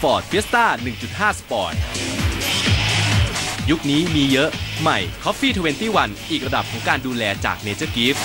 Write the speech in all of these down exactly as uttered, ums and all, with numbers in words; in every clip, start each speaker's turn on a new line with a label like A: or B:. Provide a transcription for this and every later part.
A: Ford Fiesta หนึ่งจุดห้า Sport ยุคนี้มีเยอะใหม่ Coffee ยี่สิบเอ็ด อีกระดับของการดูแลจาก Nature Gift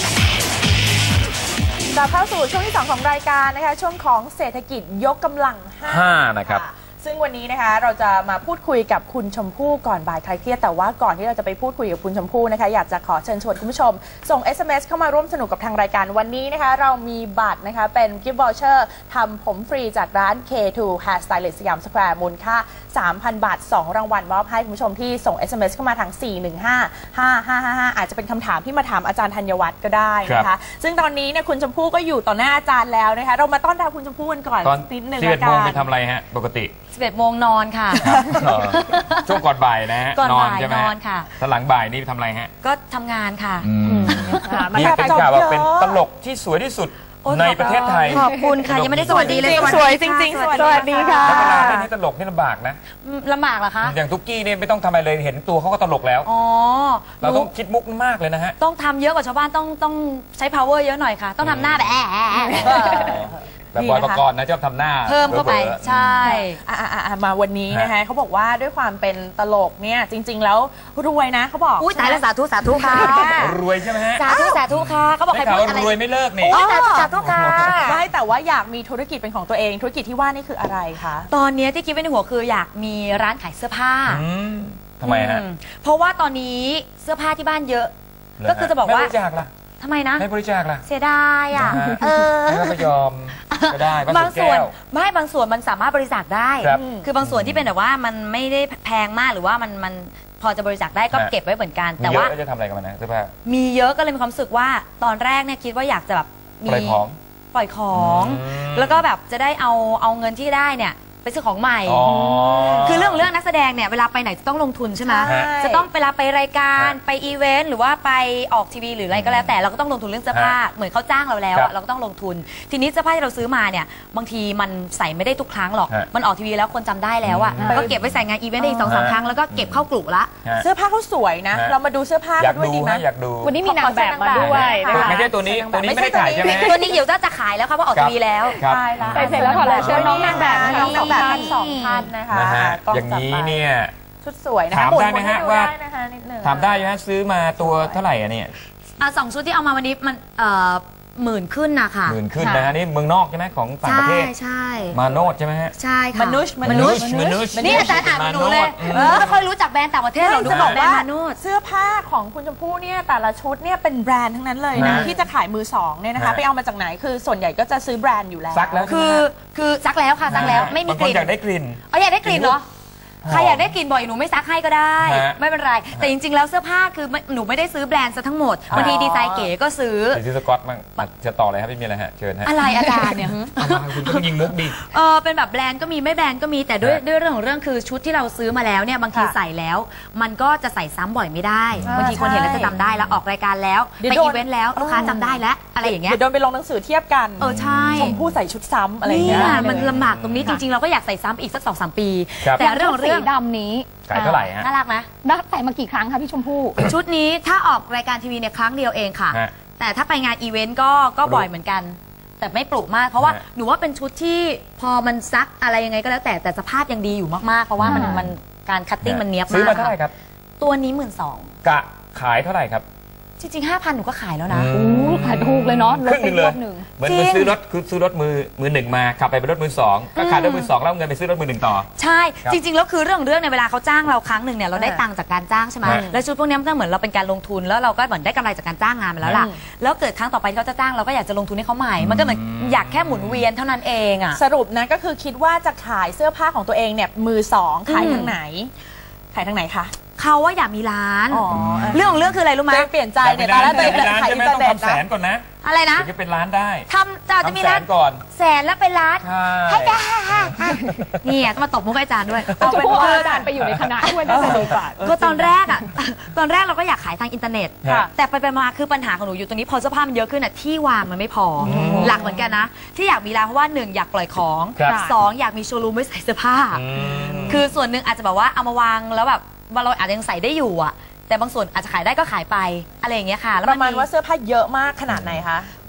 B: กลับเข้าสู่ช่วงที่สองของรายการนะคะช่วงของเศรษฐกิจยกกำลังห้า
C: นะครับ
B: ซึ่งวันนี้นะคะเราจะมาพูดคุยกับคุณชมพู่ก่อนบ่ายคลายเครียดแต่ว่าก่อนที่เราจะไปพูดคุยกับคุณชมพู่นะคะอยากจะขอเชิญชวนคุณผู้ชมส่ง เอส เอ็ม เอส เข้ามาร่วมสนุกกับทางรายการวันนี้นะคะเรามีบัตรนะคะเป็น Gift Voucher ทำผมฟรีจากร้าน เค ทู Hair Stylist สยามสแควร์มูลค่า สามพัน บาทสองรางวัลมอบให้คุณผู้ชมที่ส่ง เอส เอ็ม เอส เข้ามาทางสี่หนึ่งห้า ห้า ห้า ห้า ห้าอาจจะเป็นคำถามที่มาถามอาจารย์ธัญวัฒน์ก็ได้นะคะซึ่งตอนนี้เนี่ยคุณชมพู่ก็อยู่ต่อหน้าอาจารย์แล้วนะคะเรามาต้อนรับคุณชมพู่กันก่อนนิดนึง
C: สิบเอ็ดโมงไปทำอะไรฮะปกติ
D: สิบเอ็ดโมงนอนค่ะ
C: ช่วงก่อนบ่ายนะฮะ
D: ก่อนบ่ายนอนค่ะ
C: ตอนหลังบ่ายนี่ทำอะไรฮะ
D: ก็ทำงานค่ะ
C: นี่เป็นข่าวว่าเป็นตลกที่สวยที่สุดในประเทศไทย
D: ขอบคุณค่ะยังไม่ได้สวัสดีเลย
B: สวยจริงๆสวัสดีค่ะ
C: แล้วเวลาเล่นตลกนี่ลำบากนะ
D: ลำบากเหรอคะ
C: อย่างตุ๊กกี้เนี่ยไม่ต้องทำอะไรเลยเห็นตัวเขาก็ตลกแล้ว
D: อ๋อ
C: เราต้องคิดมุกมากเลยนะฮะ
D: ต้องทำเยอะกว่าชาวบ้านต้องต้องใช้ power เยอะหน่อยค่ะต้องทำหน้าแบบแอะ
C: แบบบอยปกรณ์นะชอบทำหน้า
D: เพิ่มเข้าไปใช่
B: มาวันนี้นะคะเขาบอกว่าด้วยความเป็นตลกเนี่ยจริงๆแล้วรวยนะเขาบอก
D: อุ้ยตายแล้วสาธุสาธุค่ะ
C: รวยใช่ไหมฮะ
D: สาธุสาธุค่ะเขาบอกใครพูดอะไร
C: รวยไม่เลิกนี่
D: สาธุสาธุค่ะ
B: ไม่แต่ว่าอยากมีธุรกิจเป็นของตัวเองธุรกิจที่ว่านี่คืออะไรคะ
D: ตอนนี้ที่คิดไว้ในหัวคืออยากมีร้านขายเสื้อผ้า
C: ทำไมฮะ
D: เพราะว่าตอนนี้เสื้อผ้าที่บ้านเยอะก็คือจะบอกว่า
C: ไม่บริจาคล่ะ
D: ทำไมนะ
C: ไม่บริจาคล่ะ
D: เสียดายอ่ะ
C: เออไม่ยอมก็ได้
D: บางส่วนไม่บางส่วนมันสามารถบริจาคได้คือบางส่วนที่เป็นแบบว่ามันไม่ได้แพงมากหรือว่ามันมันพอจะบริจาคได้ก็เก็บไว้เหมือนกันแต่ว่า
C: จะทำอะไรกับมันนะเสื้อผ้า
D: มีเยอะก็เลยมีความรู้สึกว่าตอนแรกเนี่ยคิดว่าอยากจะแบบ
C: ปล่อยของ
D: ปล่อยของแล้วก็แบบจะได้เอาเอาเงินที่ได้เนี่ยไปซื้อของใหม่คือเรื่องเรื่องนักแสดงเนี่ยเวลาไปไหนจะต้องลงทุนใช่ไหมจะต้องเวลาไปรายการไปอีเวนต์หรือว่าไปออกทีวีหรืออะไรก็แล้วแต่เราก็ต้องลงทุนเรื่องเสื้อผ้าเหมือนเขาจ้างเราแล้วเราก็ต้องลงทุนทีนี้เสื้อผ้าที่เราซื้อมาเนี่ยบางทีมันใส่ไม่ได้ทุกครั้งหรอกมันออกทีวีแล้วคนจำได้แล้วอ่ะก็เก็บไว้ใส่งานอีเวนต์ได้อีกสองสามครั้งแล้วก็เก็บเข้ากลุ่มละ
B: เสื้อผ้าเขาสวยนะเรามาดูเสื้อผ้าด้วยดีไหม
C: อยากดู
B: วันนี้มีนางแบบมาด้วย
C: ไม่ใช่ตัวนี้ตัวนี้ไม่ได้ขายใช่ไหม
D: ตัวนี้เดี๋ยวจะขายแล้วครับว่าออกทีวีแล้ว
B: ใช่แล้วใส่เสร็จแล้วขอเลยเชิญน้องนางแบบน้องสองแบบพันสองพันนะคะ
C: อย่างนี้เนี่ย
B: ชุดสวยนะ
C: ถามได้ไหมฮะว่าถามได้ไหมฮะซื้อมาตัวเท่าไหร่อะเนี่ย
D: อ่ะสองชุดที่เอามาวันนี้มันเอ่อหมื่นขึ้นนะคะ
C: หมื่นขึ้นนะฮะนี่เมืองนอกใช่ไหมของต่างประเทศ
D: ใช่
C: มาโนดใช่ไหมฮะ
D: ใช่ค่ะ
B: มนุษย์
D: มนุษย์มนุษย์นี่อาจารย์ถามหนูเลยไม่ค่อยรู้จักแบรนด์ต่างประเทศเราดูบอกว่า
B: เสื้อผ้าของคุณชมพู่เนี่ยแต่ละชุดเนี่ยเป็นแบรนด์ทั้งนั้นเลยนะที่จะขายมือสองเนี่ยนะคะไปเอามาจากไหนคือส่วนใหญ่ก็จะซื้อแบรนด์อยู่แล้ว
C: ซักแล้ว
D: คือคือซักแล้วค่ะซักแล้วไม่มีกลิ่น
C: อยากได้กลิ่น
D: อ๋ออยากได้กลิ่นเหรอใครอยากได้กลิ่นบ่อยหนูไม่ซักให้ก็ได้ไม่เป็นไรแต่จริงๆแล้วเสื้อผ้าคือหนูไม่ได้ซื้อแบรนด์ซะทั้งหมดบางทีดีไซน์เก๋ก็ซื้อ
C: ซื้อสกอตมั้งจะต่อเลยครับไม่มีอะไรฮะเชิญฮะ
D: อะไรอาจารย์เนี่ย
C: คุณต้องยิงมุกดิ
D: เออเป็นแบบแบรนด์ก็มีไม่แบรนด์ก็มีแต่ด้วยด้วยเรื่องของเรื่องคือชุดที่เราซื้อมาแล้วเนี่ยบางทีใส่แล้วมันก็จะใส่ซ้ำบ่อยไม่ได้บางทีคนเห็นแล้วจะจำได้แล้วออกรายการแล้วไปอีเวนต์แล้วลูกค้าจำได้แล้วอะไรอย่างเงี้ย
B: เดี๋ยวโดนไปลงหนังสือเทียบกัน
D: เออใช่
B: ชมพู่ใส่ชุดซ้ำอะไรอย่างเงี้ย
D: มันลำบากตรงนี้จริงๆเราก็อยากใส่ซ้ำอีกสักสองสามปีแต่เรื่องเรื่อง
E: ดำนี้
C: ขายเท่าไหร่ฮะ
D: น่ารักนะ
E: นักใส่มากี่ครั้งคะพี่ชมพู่
D: ชุดนี้ถ้าออกรายการทีวีเนี่ยครั้งเดียวเองค่ะแต่ถ้าไปงานอีเวนต์ก็ก็บ่อยเหมือนกันแต่ไม่ปลุกมากเพราะว่าหนูว่าเป็นชุดที่พอมันซักอะไรยังไงก็แล้วแต่แต่สภาพยังดีอยู่มากๆเพราะว่ามันมันการคัตติ้งมันเนี้ยบมาก
C: ซื้อมาเท่าไหร่ครับ
D: ตัวนี้หมื่นสอง
C: กะขายเท่าไหร่ครับ
D: จริงๆห้าพันหนูก็ขายแล้วนะ
E: โอ้ขายถูกเลยเนาะ
C: ครึ่งหนึ่งเลยเหมือนซื้อรถคือซื้อรถมือมือหนึ่งมาขับไปเป็นรถมือสองก็ขายรถมือสองแล้วเงินไปซื้อรถมือหนึ่งต่อ
D: ใช่จริงๆแล้วคือเรื่องเรื่องในเวลาเขาจ้างเราครั้งหนึ่งเนี่ยเราได้ตังค์จากการจ้างใช่ไหมแล้วชุดพวกนี้มันก็เหมือนเราเป็นการลงทุนแล้วเราก็เหมือนได้กำไรจากการจ้างงานมาแล้วล่ะแล้วเกิดครั้งต่อไปที่เขาจะจ้างเราก็อยากจะลงทุนให้เขาใหม่มันก็เหมือนอยากแค่หมุนเวียนเท่านั้นเองอ่ะ
B: สรุปนะก็คือคิดว่าจะขายเสื้อผ้าของตัวเองเนี่ยมือสองขายทางไหนขายทางไหนคะ
D: เขาว่าอยากมีร้านเรื่องของเรื่องคืออะไรรู้ไหม
B: เปลี่ยนใจเนี่ยตอนแรกตัวเองขายอินเทอร์เน็ต
C: นะแสนก่อนนะ
D: อะไรนะ
C: จะเป็นร้านได้
D: ทำจะจะมีร้าน
C: ก่อน
D: แสนแล้วเป็นร้านให้ได้นี่ต้องมาตบมุกอาจารย์ด้วย
E: เอาเป็นว่าอาจารย์ไปอยู่ในคณะด้วยน่าจะดีกว่า
D: ก็ตอนแรกอ่ะตอนแรกเราก็อยากขายทางอินเทอร์เน็ตแต่ไปไปมาคือปัญหาของหนูอยู่ตรงนี้พอเสื้อผ้ามันเยอะขึ้นอ่ะที่วางมันไม่พอหลักเหมือนกันนะที่อยากมีร้านเพราะว่าหนึ่งอยากปล่อยของสองอยากมีโชว์รูมไว้ใส่เสื้อผ้าคือส่วนหนึ่งอาจจะแบบว่าเอามาวางแล้วแบบเราอาจจะยังใส่ได้อยู่อ่ะแต่บางส่วนอาจจะขายได้ก็ขายไปอะไรอย่างเงี้ยค่ะ
B: ประมาณว่าเสื้อผ้าเยอะมากขนาดไหนคะ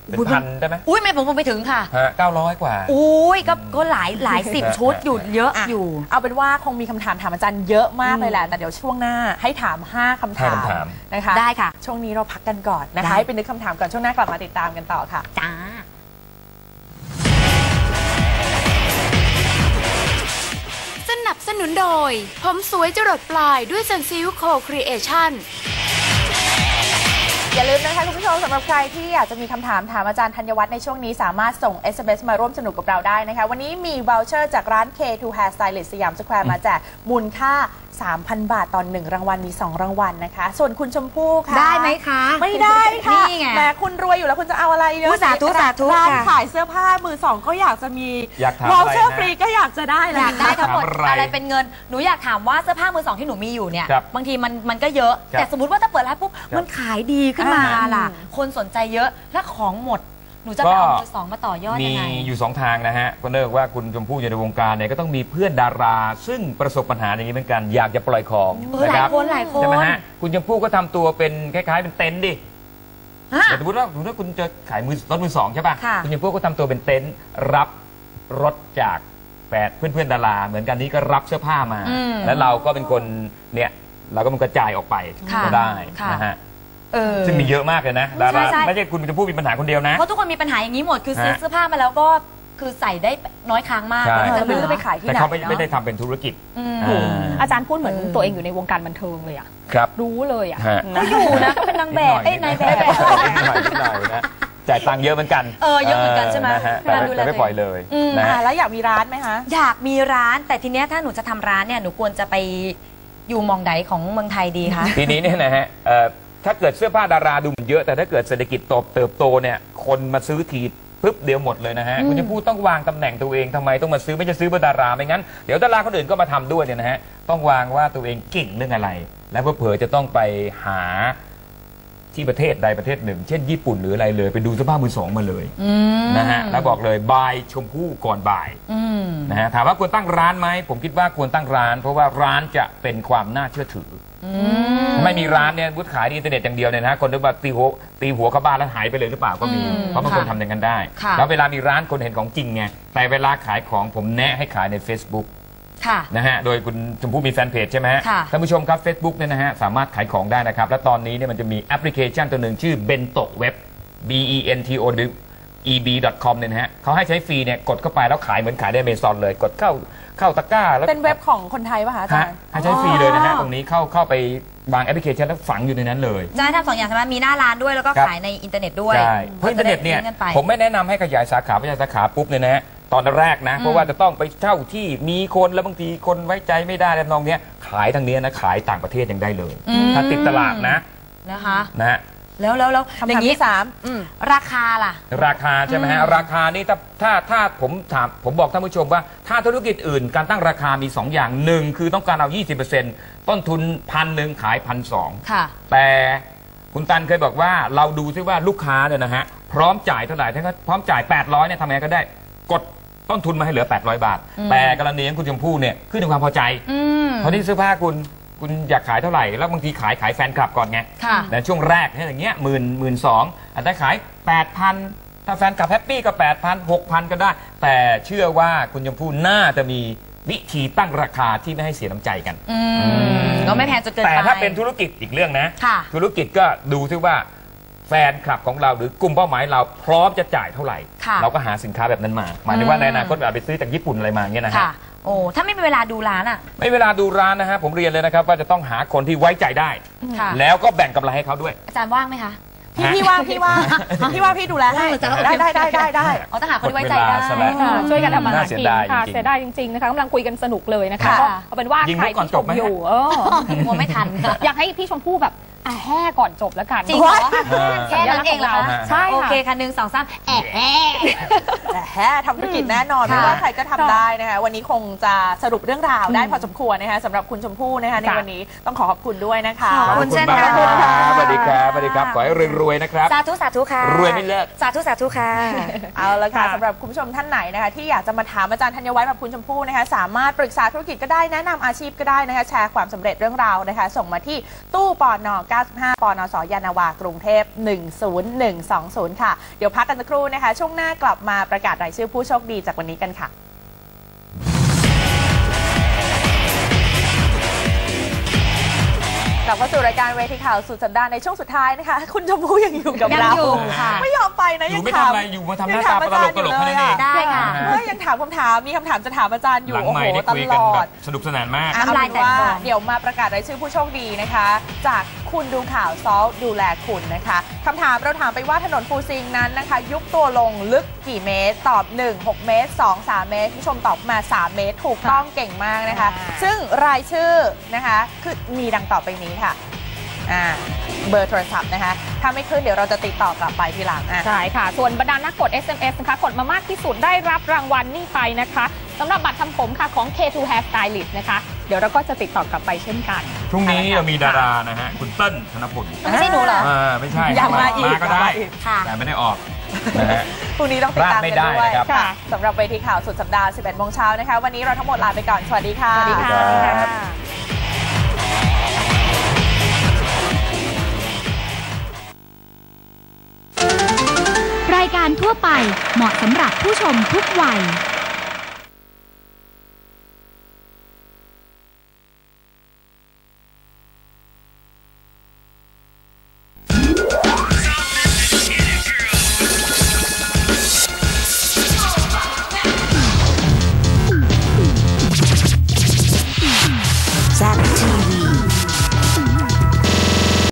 C: เป็นพันได้ไหม
D: อุ้ยไม่ผมผมไปถึงค่ะ
C: ฮะเก้าร้อยกว่า
D: อุ้ยก็ก็หลายหลายสิบชุดอยู่เยอะอยู่
B: เอาเป็นว่าคงมีคำถามถามอาจารย์เยอะมากเลยแหละแต่เดี๋ยวช่วงหน้าให้ถามห้าคำถาม
C: ห้าคำถาม
B: นะคะ
D: ได้ค่ะ
B: ช่วงนี้เราพักกันก่อนนะ
D: ได้
B: คะให้เป็นนึกคำถามก่อนช่วงหน้ากลับมาติดตามกันต่อค่ะ
D: จ้า
F: สนับสนุนโดยผมสวยจรดปลายด้วยซันซิลโคครีเอชั่น
B: อย่าลืมนะคะคุณผู้ชมสำหรับใครที่อยากจะมีคำถามถามอาจารย์ธัญวัฒน์ในช่วงนี้สามารถส่ง เอส เอ็ม เอส มาร่วมสนุกกับเราได้นะคะวันนี้มี voucher จากร้าน เค ทู Hair Stylist สยามสแควร์มาแจกมูลค่า สามพัน บาทตอนหนึ่งรางวัลมีสองรางวัลนะคะส่วนคุณชมพู่ค่ะ
D: ได้ไหมคะ
B: ไม่ได้ค่ะ
D: นี่ไง
B: แหมคุณรวยอยู่แล้วคุณจะเอาอะไรเย
D: อุ๊
B: อะ
D: ยสาธุสาธุ
B: ร้าน
D: ค่ะ
B: ขายเสื้อผ้ามือสองก็อยากจะมี
C: อยากถาม
B: voucher
C: อะไรนะ
B: ฟรีก็อยากจะได้แห
D: อ
B: ละ
D: ยากได้ทั้งหมด
C: ถามอะไร
D: อะไรเป็นเงินหนูอยากถามว่าเสื้อผ้ามือสองที่หนูมีอยู่เนี่ย
C: ครับ
D: บางทีมันมันก็เยอะ
C: ครับ
D: แต่สมมติว่าถ้าเปิดร้านปุ๊บ
C: ครับ
D: มันขายดีขึ้นมา
B: อ่า
D: ล่ะ คนสนใจเยอะและของหมด หนูจะไปเอามือสองมาต่อยอด
C: มี
D: ยังไง
C: อยู่สองทางนะฮะก็เนื่องว่าคุณชมพู่อยู่ในวงการเนี่ยก็ต้องมีเพื่อนดารา ซึ่งประสบปัญหาอย่างนี้เหมือนกันอยากจะปล่อยของ
D: เออห
C: นะ
D: ลา
C: ค
D: ย
C: รับ
D: คนหลายคน
C: ใช่ไหมฮะคุณชมพู่ก็ทำตัวเป็นคล้ายๆเป็นเต็นท์ดิ
D: ฮะ
C: แต่สมมติว่าสมมติว่าคุณจะขายมือรถมือสองใช่ป่ะ
D: ค่ะ
C: คุณชมพู่ก็ทำตัวเป็นเต็นท์รับรถจากแฟนเพื่อนๆดารา เหมือนกันนี้ก็รับเสื้อผ้ามา
D: อืม
C: แล้วเราก็เป็นคนเนี่ยเราก็มันกระจายออกไป
D: ค่ะ
C: ก็ได้
D: ค่ะ
C: นะฮะ
D: เออ
C: ซึ่งมีเยอะมากเลยนะดารา
D: ใช่ใช่
C: ไม่ใช่คุณชมพู่มีปัญหาคนเดียวนะ
D: เพราะทุกคนมีปัญหาอย่างนี้หมดคือซื้อ
C: ฮะ
D: เสื้อผ้ามาแล้วก็คือใส่ได้น้อยครั้งมาก
C: ใช่
D: แล้ว
B: เอ
D: จะ
B: อไม่รู้จะไปขายที่
C: แต่
B: ไหน
C: เขาไม่
B: เนาะ
C: ไม่ได้ทำเป็นธุรกิจ
D: อืม
C: อ่า
E: อาจารย์พูดเหมือน
B: เออ
E: ตัวเองอยู่ในวงการบันเทิงเลยอะ
C: ครับ
E: รู้เลยอะ
C: ฮะ
E: นะ
D: อยู่นะก็เป็นนางแบบเอ้ยนายแบบ
C: นิดหน่อยนิดหน่อยนะจ่ายตังค์เยอะเหมือนกัน
D: เออเยอะเหมือนกันใช่ไหม
C: นะฮะแต่
D: การดูแล
C: แต่ไม่ปล่อยเลย
D: อืม
C: นะ
B: อ่า
C: ฮะ
B: แล้วอยากมีร้านไหมคะ
D: อยากมีร้านแต่ทีเนี้ยถ้าหนูจะทำร้านเนี่ยหนูควรจะไปอยู่หมองใดของเมืองไทยดีคะ
C: ทีนี้เนี่ยนะฮะเอ่อถ้าเกิดเสื้อผ้าดาราดูมันเยอะแต่ถ้าเกิดเศรษฐกิจโตเติบโตเนี่ยคนมาซื้อทีปึ๊บเดียวหมดเลยนะฮะคุณจะพูดต้องวางตำแหน่งตัวเองทำไมต้องมาซื้อไม่จะซื้อเพื่อดาราไม่งั้นเดี๋ยวดาราคนอื่นก็มาทำด้วยเนี่ยนะฮะต้องวางว่าตัวเองเก่งเรื่องอะไร และเผื่อๆจะต้องไปหาที่ประเทศใดประเทศหนึ่ง เช่นญี่ปุ่นหรืออะไรเลยไปดูเสื้อผ้ามือสองมาเลย
D: อืม
C: นะฮะแล้วบอกเลยบายชมพู่ก่อนบ่าย
D: อืม
C: นะฮะถามว่าควรตั้งร้านไหมผมคิดว่าควรตั้งร้าน เพราะว่าร้านจะเป็นความน่าเชื่อถืออไม่มีร้านเนี่ยบุตขายในอินเทอร์เน็ตอย่างเดียวเนี่ยนะฮะคนนึกว่าตีหัวตีหัวเข้าบ้านแล้วหายไปเลยหรือเปล่าก็มี
D: อืม
C: เพราะบางคน
D: ค่ะ
C: ทำอย่างนั้นได้
D: ค่ะ
C: แล้วเวลามีร้านคนเห็นของจริงไงแต่เวลาขายของผมแนะให้ขายใน Facebook
D: ค่ะ
C: นะฮะโดยคุณชมพู่มีแฟนเพจใช่ไหมฮะ
D: ค่ะ
C: ท่านผู้ชมครับ Facebook เนี่ยนะฮะสามารถขายของได้นะครับและตอนนี้เนี่ยมันจะมีแอปพลิเคชันตัวหนึ่งชื่อ Bento Web B E N T O E B ดอท คอม เนี่ยนะฮะเขาให้ใช้ฟรีเนี่ยกดเข้าไปแล้วขายเหมือนขายใน Amazon เลยกดเข้าเข้าตะกร้าแล้ว
B: เป็นเว็บของคนไทยป่ะคะอาจา
C: ฮะ
B: รย์
C: ให้ใช้ฟรีเลยนะฮะตรงนี้เข้าเข้าไปวางแอปพลิเคชันแล้วฝังอยู่ในนั้นเลย
D: จะให้ทำสองอย่างใช่ไหมมีหน้าร้านด้วยแล้วก็
C: ครับ
D: ขายในอินเทอร์เน็ตด้วย
C: ใช่เพราะอินเทอร์เน็ตเนี่ย
D: จะได้ลิงก์กัไป
C: ผมไม่แนะนำให้ขยายสาขาขยายสาขาปุ๊บเนี่ยนะฮะตอนแรกนะเพราะว่าจะต้องไปเช่าที่มีคนแล้วบางทีคนไว้ใจไม่ได้แล้วน้องเนี้ยขายทางเนี้ยนะขายต่างประเทศยังได้เลย
D: อืม
C: ถ้าติดตลาดนะ
D: นะคะ
C: นะฮะ
D: แล้วแล้วแล้ว
B: คำ
D: อย่า
B: ถาม
D: งนี้
B: ที่สามอืม
D: ราคาล่ะ
C: ราคาใช่ไหมฮะ
D: อืม
C: ราคานี่ถ้าถ้าถ้าผมถามผมบอกท่านผู้ชมว่าถ้าธุรกิจอื่นการตั้งราคามี สอง อย่างหนึ่งคือต้องการเอา ยี่สิบเปอร์เซ็นต์ ต้นทุนพันหนึ่งขายพันสอง
D: ค่ะ
C: แต่คุณตันเคยบอกว่าเราดูซิว่าลูกค้าเนี่ยนะฮะพร้อมจ่ายเท่าไหร่ถ้าเขาพร้อมจ่ายแปดร้อยเนี่ยทำไงก็ได้กดต้นทุนมาให้เหลือแปดร้อยบาท
D: อืม
C: แต่กรณีของคุณชมพู่เนี่ยขึ้นในความพอใจ
D: อืม
C: เพราะที่เสื้อผ้าคุณคุณอยากขายเท่าไหร่แล้วบางทีขายขายแฟนคลับก่อนไง
D: ค่ะ
C: ในช่วงแรกเนี่ยอย่างเงี้ยหมื่นหมื่นสองอาจจะขายแปดพันถ้าแฟนคลับแฮปปี้ก็แปดพันหกพันก็ได้ แต่เชื่อว่าคุณชมพู่น่าจะมีวิธีตั้งราคาที่ไม่ให้เสียน้ำใจกัน
D: อืมก็ไม่แพงจนเกินไป
C: แต่ถ้าเป็นธุรกิจอีกเรื่องนะ
D: ค่ะ
C: ธุรกิจก็ดูซิว่าแฟนคลับของเราหรือกลุ่มเป้าหมายเราพร้อมจะจ่ายเท่าไหร่
D: ค่ะ
C: เราก็หาสินค้าแบบนั้นมา หมายถึงว่า
D: อืม
C: ในอนาคตอาจไปซื้อจากญี่ปุ่นอะไรมาเงี้ยนะฮะ
D: ค่ะ โอ้ถ้าไม่มีเวลาดูร้านอ่ะ
C: ไม่เวลาดูร้านนะฮะผมเรียนเลยนะครับว่าจะต้องหาคนที่ไว้ใจได้
D: ค่ะ
C: แล้วก็แบ่งกำไรให้เขาด้วย
D: อาจารย์ว่างไหมคะ
B: พี่พี่ว่างพี่ว่างพี่ว่างพี่ดูแลให้
D: เออจะเอา
B: ได้ได้ได้ได้ได้
D: อ๋อต้องหาคนที่ไว้ใจได้
C: หมดเวลาซะแล้ว
E: ค่ะช่วยกันทำมาหา
C: น่าเสี
E: กิ
C: ย
E: น
C: ดาย
E: ค่ะ
C: จริงๆ
E: เสียดายจริงๆนะคะกำลังคุยกันสนุกเลยนะคะ
D: ค่ะ
E: ก็เอาเป็นว่า
C: ยิง
E: ใคร
C: มุกก่อน
E: ที่ช
C: จ
E: ม
C: บไหม
E: อยู่เออ
D: กลัวไม่ทัน
E: อยากให้พี่ชมพู่แบบอ่ะแห่ก่อนจบแล้วกัน
D: จริงเหรอ
C: เออ
D: แค่นั้นเองเหรอคะ
E: ใช่
D: โอเค
E: ค่ะ
D: ค่ะหนึ่งสองสามแอะแอะ
B: แต่แฮะทำธุรกิจแน่นอน
D: ค่ะ
B: ไม่ว่าใครก็ทำได้นะคะวันนี้คงจะสรุปเรื่องราวได้พอสมควรนะคะสำหรับคุณชมพู่นะคะใน
E: ค่ะ
B: วันนี้ต้องขอขอบคุณด้วยนะคะ
D: ขอบคุณ
C: ข
D: เช่น
C: มาก
D: กัน
C: ครับสวัสดีครับสวัสดีครับ ขอให้รวยๆนะครับ
D: สาธุสาธุค่ะ
C: รวยไม่เลิก
D: สาธุสาธุค่ะ
B: เอาละค่ะ
E: ค่ะ
B: สำหรับคุณผู้ชมท่านไหนนะคะที่อยากจะมาถามอาจารย์ธัญวัฒน์แบบคุณชมพู่นะคะสามารถปรึกษาธุรกิจก็ได้แนะนำอาชีพก็ได้นะคะแชร์ความสำเร็จเรื่องราวนะคะส่งมาที่ตู้ปอนอาสิบห้า ปนส.ยานนาวากรุงเทพหนึ่งศูนย์หนึ่งสองศูนย์ค่ะเดี๋ยวพักกันสักครู่นะคะช่วงหน้ากลับมาประกาศรายชื่อผู้โชคดีจากวันนี้กันค่ะกลับเข้าสู่รายการเวทีข่าวสุดสัปดาห์ในช่วงสุดท้ายนะคะคุณชมพู่ยังอยู่กับเรา
D: ยังอยู่ค่ะ
B: ไม่ยอมไปนะ
C: อยู่
B: ยัง
C: ไม่
B: ถาม
C: ทำอะไรอยู่มาทำหน้าตาตลกตลกแค่นั้นเอง
D: ได้ค่ะ
B: เฮ้ยยังถามคำถามมีคำถามจะถามอาจารย์อยู่
C: หลัง
B: โอ้
C: ให
B: โห
C: ม่ได้
B: ต
C: คุย
B: ล
C: กัน
B: อ
C: แบ
B: ด
C: บสนุกสนานมาก
B: เอา
D: น้ำลาย
B: เป็นว่า
D: แตกฟอง
B: เดี๋ยวมาประกาศรายชื่อผู้โชคดีนะคะ จากคุณดูข่าวซอลดูแลคุณนะคะคำถามเราถามไปว่าถนนฟูซิงนั้นนะคะ ยุบตัวลงลึกกี่เมตรตอบหนึ่ง หกเมตรสอง สามเมตรผู้ชมตอบมาสามเมตรถูกต้องเก่งมากนะคะ ซึ่งรายชื่อนะคะคือมีดังต่อไปนี้ค่ะอ่าเบอร์โทรศัพท์นะคะถ้าไม่ขึ้นเดี๋ยวเราจะติดต่อกลับไปทีหลังอ่ะ
E: ใช่ค่ะ ส่วนบรรดานักกด เอส เอ็ม เอส นะคะ กดมามากที่สุดได้รับรางวัลนี่ไปนะคะสำหรับบัตรทำผมค่ะของ เค ทู Hair Stylist นะคะ เดี๋ยวเราก็จะติดต่อกลับไปเช่นกัน
C: พรุ่งนี้เรามีดารานะฮะคุณเติ้ลธนพล
D: ไม่ใช่หนูเหรอ
C: อ่าไม่ใช่
B: อยากมาอีก
C: มาก็ได้
B: อยากมาอีก
D: ค่ะ
C: แต่ไม่ได้ออกนะฮะ
B: พรุ่งนี้ต้องติดตามกัน
C: พลาดไม่ได้
B: ด้วย
C: นะครับ
B: ค่ะสำหรับเวทีข่าวสุดสัปดาห์ สิบเอ็ดโมงเช้านะคะวันนี้เราทั้งหมดลาไปก่อนสวัสดีค่ะ
E: สวัสดีค่ะ
C: สวัสดีครับ
G: รายการทั่วไปเหมาะสำหรับผู้ชมทุกวัย